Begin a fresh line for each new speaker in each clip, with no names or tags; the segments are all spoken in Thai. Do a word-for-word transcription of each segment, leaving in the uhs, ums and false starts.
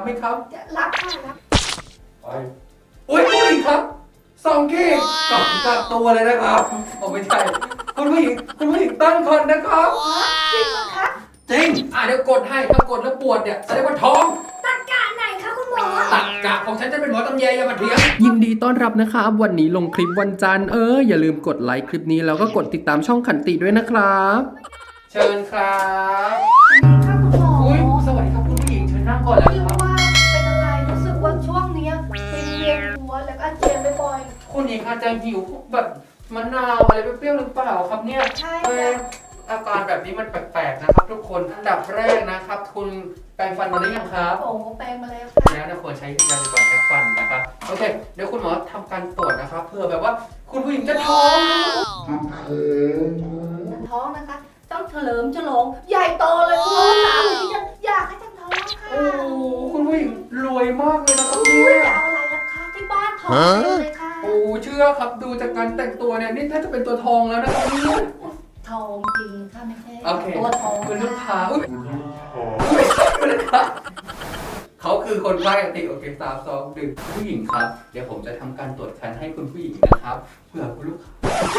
ไหมครับ
รับค่ะรับ
ไปอุ้ยผู้หญิงครับสองขีดกลับกักตัวเลยนะครับโอ้ไม่ใช่คุณผู้หญิงคุณผู้หญิงตั้งครรภ์นะครับ
จริงเหรอคะ
จริงอ่ะเดี๋ยวกดให้ถ้ากดแล้วปวดเนี่ยแสดงว่าท้อง
ตักกะไหนคะคุณหมอ
ตักกะของฉันจะเป็นหมอตำแยอย่ามาเถียงยินดีต้อนรับนะครับวันนี้ลงคลิปวันจันทร์เอออย่าลืมกดไลค์คลิปนี้แล้วก็กดติดตามช่องขันติด้วยนะครับเชิญครับ
ค่ะคุณหมอ
อุ้ยสวัสดีครับคุณผู้หญิงเชิญนั่งก่อนแล้วครับ
ว่าเป็นอะไรรู้สึกว่าช่วงนี้เป็นเวียนหัวแล้วก็อาเจียนบ่อย
ๆคุณหญิงอาจจะหิวแบบมะนาวอะไรเปรี้ยวๆหรือเปล่าครับเนี่ย
ใช่
อาการแบบนี้มันแปลกๆนะครับทุกคนอันดับแรกนะครับคุณแปรงฟันมาหรือยังครับ
โอ้แปรงมาแล้วค่ะ
แล้วนะควรใช้ยาสีฟันแก้ฟันนะครับโอเคเดี๋ยวคุณหมอทำการตรวจนะครับเพื่อแบบว่าคุณผู้หญิงจะท้อง
ท้องนะคะต้องเฉลิมฉลองใหญ่โตเลยคุณสาวที่ยังอยากให้ฉันท้องค่ะ
โอ้คุณผู้หญิงรวยมากเลยนะครับ
เนี่
ย
จะเอาอะไรล่ะคะที่บ้านท้องเลยค่ะ
โอ้เชื่อครับดูจากการแต่งตัวเนี่ยนี่ถ้าจะเป็นตัวทองแล้วนะครับเนี่ย
ทองจริงค่ะไม่ใช่
ตัวทองเป็นลูกค้าอุ้ยไม่ใช่เลยครับเขาคือคนไข้ติโอเคสามสองหนึ่งผู้หญิงครับเดี๋ยวผมจะทำการตรวจคันให้คุณผู้หญิงนะครับเพื่อคุณลูกค้า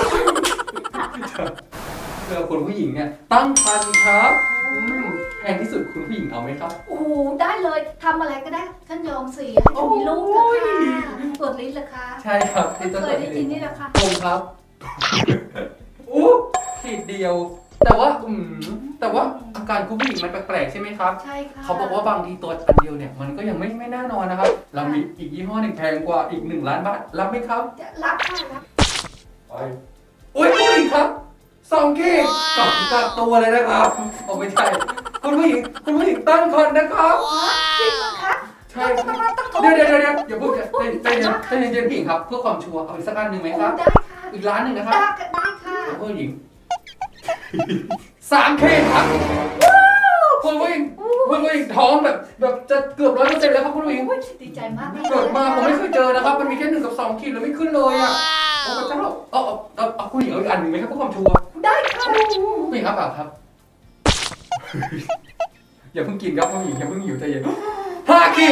เพื่อคุณผู้หญิงเนี่ยตั้งครรภ์ครับแพงที่สุดคุณผู้หญิงเอาไหมครับ
โอ้ได้เลยทำอะไรก็ได้ฉันยอมเสียให้ฉันมีลูกค่ะตรวจลิ้นเหรอคะ
ใช่ครับ
เคยได้ยินนี่แหละค่ะ
ตรงครับอู้ขีดเดียวแต่ว่าอืมแต่ว่าอาการคุณผู้หญิงมันแปลกๆใช่ไหมครับ
ใช่ค่ะ
เขาบอกว่าบางทีตัวอันเดียวเนี่ยมันก็ยังไม่ไม่แน่นอนนะครับเรามีอีกยี่ห้อหนึ่งแพงกว่าอีกหนึ่งล้านบาทรับไหมครับ
รับค่ะรับ
ไปอุ้ยผู้หญิงครับสองขีดกลับกักตัวเลยนะครับโอ้ไม่ใช่คุณผู้หญิงคุณผู้หญิงตั้งครรภ์นะครับ
จริงเหรอคะ
ใช่เดี๋ยวเดี๋ยวเดี๋ยวอย่าพูดกันใจเย็นใจเย็นใจเย็นผู้หญิงครับเพื่อความชัวร์เอาอีกสักอันหนึ่งไหมครับ
ได้ค่ะ
อีกล้านหนึ่งนะครับ
ได้ได้ค่ะ
ผู้หญิงสามเคครับคุณผู้หญิงคุณผู้หญิงท้องแบบแบบจะเกือบร้อยเปอร์เซ็นต์แล้วครับคุณผู้หญิง
ดีใจมาก
เกิดมาผมไม่เคยเจอนะครับมันมีแค่หนึ่งกับสองขีดแล้วไม่ขึ้นเลยอ่ะโอ้พระเจ้าเอาเอาเอาเอาคุณหญิงเอาอีกอันหนึ่งไหมครับเพื่อความชัวร์
ได้ค่ะ
ผู้หญิงครับเปล่าครับอย่าเพิ่งกินครับคุณหญิงอย่าเพิ่งหิวใจเย็นห้าขีด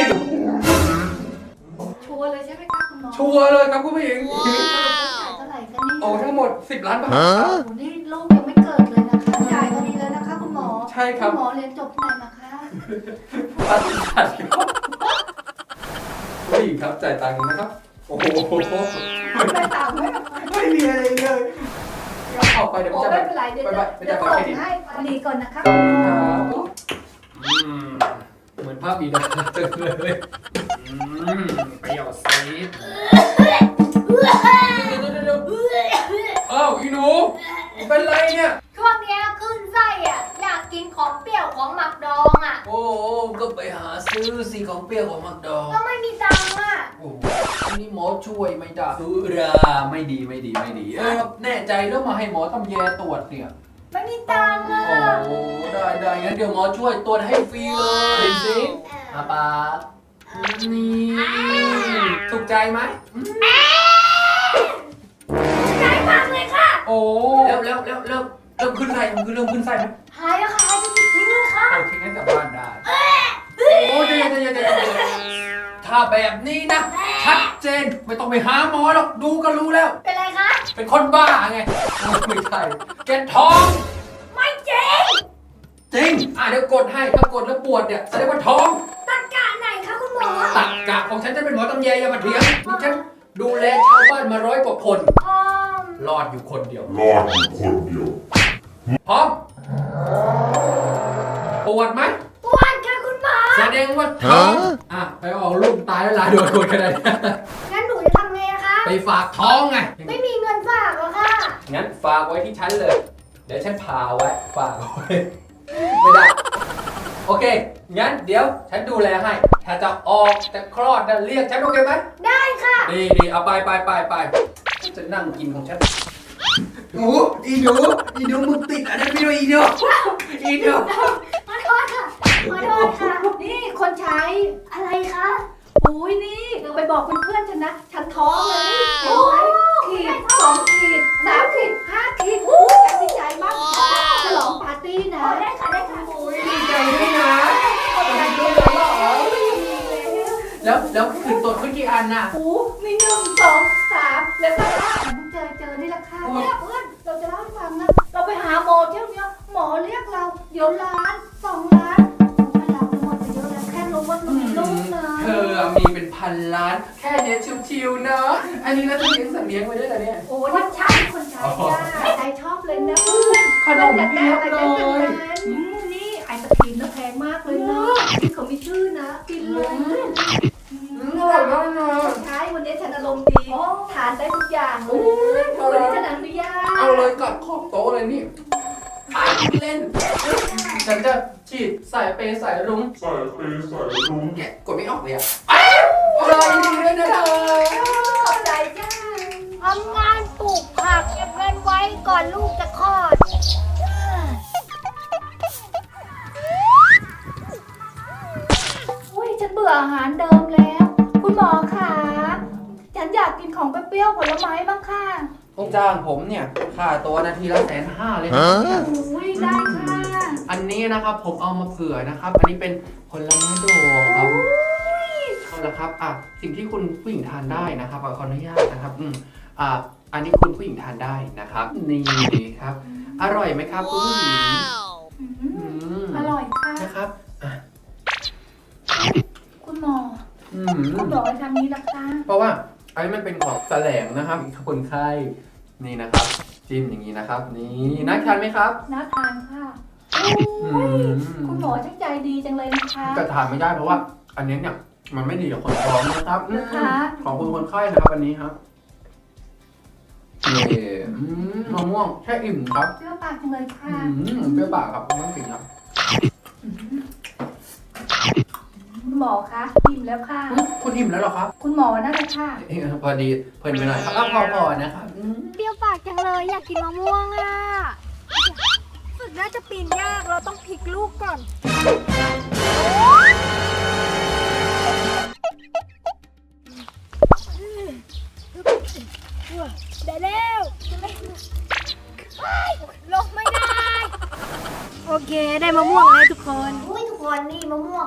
ชัวร์เลยใช่ไหมคะคุณหมอ
ชัวร์เลยครับคุณผู้หญิง
เท่าไหร่กันนี่
โอ้ทั้งหมดสิบล้านบาท
โอ้นี่ลูกยังไม่เกิดเลยนะคะจ่ายก็ดีแล้วนะคะคุณหมอ
ใช่ครับ
หมอเรียนจบที่ไหนมาคะ
ปัดปัดครับผู้หญิงครับจ่ายตังค์นะครับโอ้โห
จ่ายตังค์ไหม
ไม่มีอะไรเลยออกไปเดี๋ยวจะ
ไม่เป็นไรเดี๋ยวจะส่งให้ดีก่อนนะคะ
ครับเหมือนภาพบีดาจังเลยไปหยอดซีดอ้าวอีหนูเป็นไรเนี่ย
ช่วงนี้ขึ้นไส้อ่ะอยากกินของเปรี้ยวของหมักดองอ่ะ
โอ้ก็ไปหาซื้อสิของเปรี้ยวของหมักดอง
ก็ไม่มีตังค์อ่ะ
โอ้อันนี้หมอช่วยไม่ได้สุราไม่ดีไม่ดีไม่ดีเออแน่ใจแล้วมาให้หมอทำแยตรวจเนี่ย
ไม่มีตังค์อ่ะ
โอ้ได้ได้งั้นเดี๋ยวหมอช่วยตรวจให้ฟรีเลยเป็นสิอาปากนี่ถูกใจไหม
ใจมากเลยค่ะ
โอ้แล้วแล้วแล้วเริ่มเริ่มขึ้นไส้มันคือเริ่มขึ้นไส้ไหม
หายแล้วค่ะหายจริงๆเลยค่ะ
โอเคงั้นกลับบ้านได้โอ้ยใจเย็นใจเย็นใจเย็นถ้าแบบนี้นะชัดเจนไม่ต้องไปหาหมอหรอกดูก็รู้แล้ว
เป็นไรคะ
เป็นคนบ้าไงไม่ใช่แกท้อง
ไม่จริง
จริงอ่ะเดี๋ยวกดให้ถ้ากดแล้วปวดเนี่ยแสดงว่าท้อง
ตักกะไหนคะคุณหมอ
ตักกะของฉันจะเป็นหมอตำแยอย่ามาเถียงฉันดูแลชาวบ้านมาร้อยกว่าคนรอดอยู่คนเดียว
รอดอยู่คนเดียว
พร้อมปวดไหม
ปวดค่ะคุณหมอ
แสดงว่าท้องอ่ะไปออกลูกตายแล้วลาโดนคนขนาดนี้
งั้นหนูจะทำไงอะคะ
ไปฝากท้องไง
ไม่มีเงินฝากหรอค่ะ
งั้นฝากไว้ที่ฉันเลยเดี๋ยวฉันพาไว้ฝากไว้ไม่ได้โอเคงั้นเดี๋ยวฉันดูแลให้ถ้าจะออกจะคลอดจะเรียกฉันโอเคไหม
ได้ค่ะ
ดีดีเอาไปไปไปไปจะนั่งกินของฉันหนูอีหนูอีหนูมึงติดอะไรไม่รู้อีหนูอีหนู
ขอโทษค่ะขอโทษค่ะนี่คนใช้อะไรคะอุ้ยนี่เดี๋ยวไปบอกเพื่อนๆฉันนะฉันท้องเลยโอ้ยขีดสองขีดสามขีดห้าขีดฉันดีใจมากฉลองปาร์ตี้นะได้ค่ะได้ค่ะ
ดีใจด้วยนะ
คนใช้ด้วยเหรอ
แล้วแล้วคือตรวจเมื่อกี่อันน่ะ
โอ้มีหนึ่งสองสามแล้วก็ห้าเจอเจอนี่แหละค่ะเนี่ยเพื่อนเราจะเล่าให้ฟังนะเราไปหาหมอเที่ยวเนี้ยหมอเรียกเราเดี๋ยวล้านสองล้านไม่เราหมดไปเยอะแล้วแค่รู้ว่าเรามีลูกนะ
เธอมีเป็นพันล้าน แค่เนี้ยชิวๆเนาะอันนี้เราจะเลี้ยงสัตว์เลี้ยงไว้ด้วยเหรอเนี่ย
โอ้นี่ใช่คนใช้จ้าใช้ชอบเลยนะเพื่อน
ขนมเพียบเลย
อืมนี่ไอศครีมนะแพงมากเลยนะที่เขามีชื่อนะกินเลย
อืมอร่อยมากนะ
ใช่วันนี้ฉันอารมณ์ดีทานได้ทุกอย่างเลยวันนี้ฉันอนุญาต
เอาเลยกัดขอบโต๊ะเลยนี่ไปเล่น ฉันจะฉีดสายเปย์สายรุ้ง
ใส่เปย์ใส่รุ้ง
แกะกดไม่ออกเลยอ่ะอ้าวอร่อยดีด้วยนะเธอ
ขอบใจจ้า
ทำงานปลูกผักเก็บเงินไว้ก่อนลูกจะคลอด
อุ้ยฉันเบื่ออาหารเดิมแล้ว คุณหมอคะฉันอยากกินของเปรี้ยวๆผลไม้บ้างค่ะ
ต้องจ้างผมเนี่ยค่าตัวนาทีละแสนห้าเลยนะ
อุ้ยได้ค่ะ
อันนี้นะครับผมเอามาเผื่อนะครับ อันนี้เป็นผลไม้ดองครับเอาละครับอ่ะสิ่งที่คุณผู้หญิงทานได้นะครับขออนุญาตนะครับอืมอ่ะอันนี้คุณผู้หญิงทานได้นะครับ นี่ครับ อร่อยไหมครับคุณผู้หญิง
อื
อื
ม
ม
อร่อยค่ะ
นะครับอ่ะ
คุณหมอ
อืม
คุณหมอทำนี้นะคะ
เพราะว่าอันนี้มันเป็นของแสลงนะครับคนไข้นี่นะครับจิ้มอย่างนี้นะครับ นี่น่าทานไหมครับ
น่าทานค่ะ
อื
อุ้ย
ม
คุณหมอช่างใจดีจังเลยนะคะ
จะทานไม่ได้เพราะว่า อันนี้เนี่ยมันไม่ดีกับคนท้องนะครับอืม
นะคะ
ของคุณคนไข้นะครับอันนี้ครับนี่อืมมะม่วงแช่อิ่มครับ
เปรี้ยวปากจังเลยค่ะ
อืมเปรี้ยวปากครับต้องกินครับ
คุณหมอคะอิ่มแล้วค่ะ
อืมคุณอิ่มแล้วเหรอครับ
คุณหมอนั่นแหละค่ะ
เอ้ยพอดีเพลินไปหน่อยครับอ่ะพอพอนะครับอืม
เปรี้ยวปากจังเลยอยากกินมะม่วงอ่ะฝึกน่าจะปีนยากเราต้องพลิกลูกก่อน ได้แล้วลงไม่ได้ โอเคได้มะม่วงแล้วทุกคนอุ้ยทุกคนนี่มะม่วง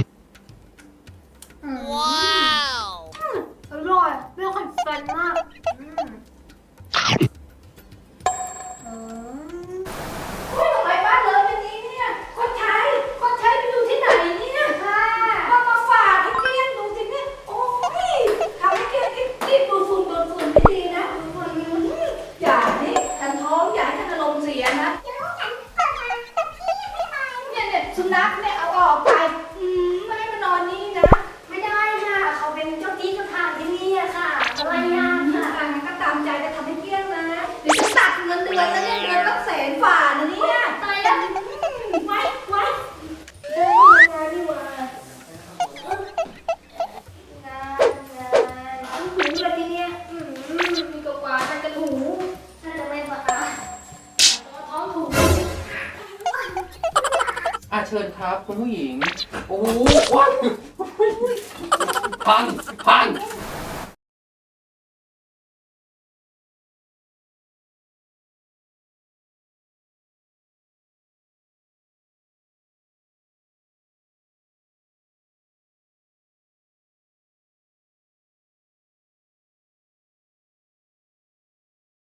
ว้าวอร่อยเปรี้ยวขันฟันมากอืมอืม
ไปบ้านเลยวันนี้เนี่ยคนใช้คนใช้ไปอยู่ที่ไหนเนี่ยค่ะเอามาฝากให้เกลี้ยงดูสิเนี่ยโอ้ยทำให้เกลี้ยงรีบดูฝุ่นดูฝุ่นไม่ดีนะอย่านี่ฉันท้องอย่าให้ฉันอารมณ์เสียนะเนี่ยเนี่ยสุนัขเนี่ยเอาออกไปอืมไม่ให้มานอนนี่นะ
ไม่ได้ค่ะ เขาเป็นเจ้าที่เจ้าทางที่นี่อะค่ะอะไรยากค่ะ
อ่ะงั้นก็ตามใจจะทำให้เกลี้ยงนะเดี๋ยวจะตัดเงินเดือนนะเนี่ยเดือนละแสนฝ่านะเนี่ย
ตายแล้วไว้ไว้เดินงานดีกว่างานงานหูเลยทีเนี้ยอืม
มีกว่าๆกันกันหู
น่าจะไม่สะอาด
ท้องถูก
อ่ะเชิญครับคุณผู้หญิง โอ้โหว้าวพังพัง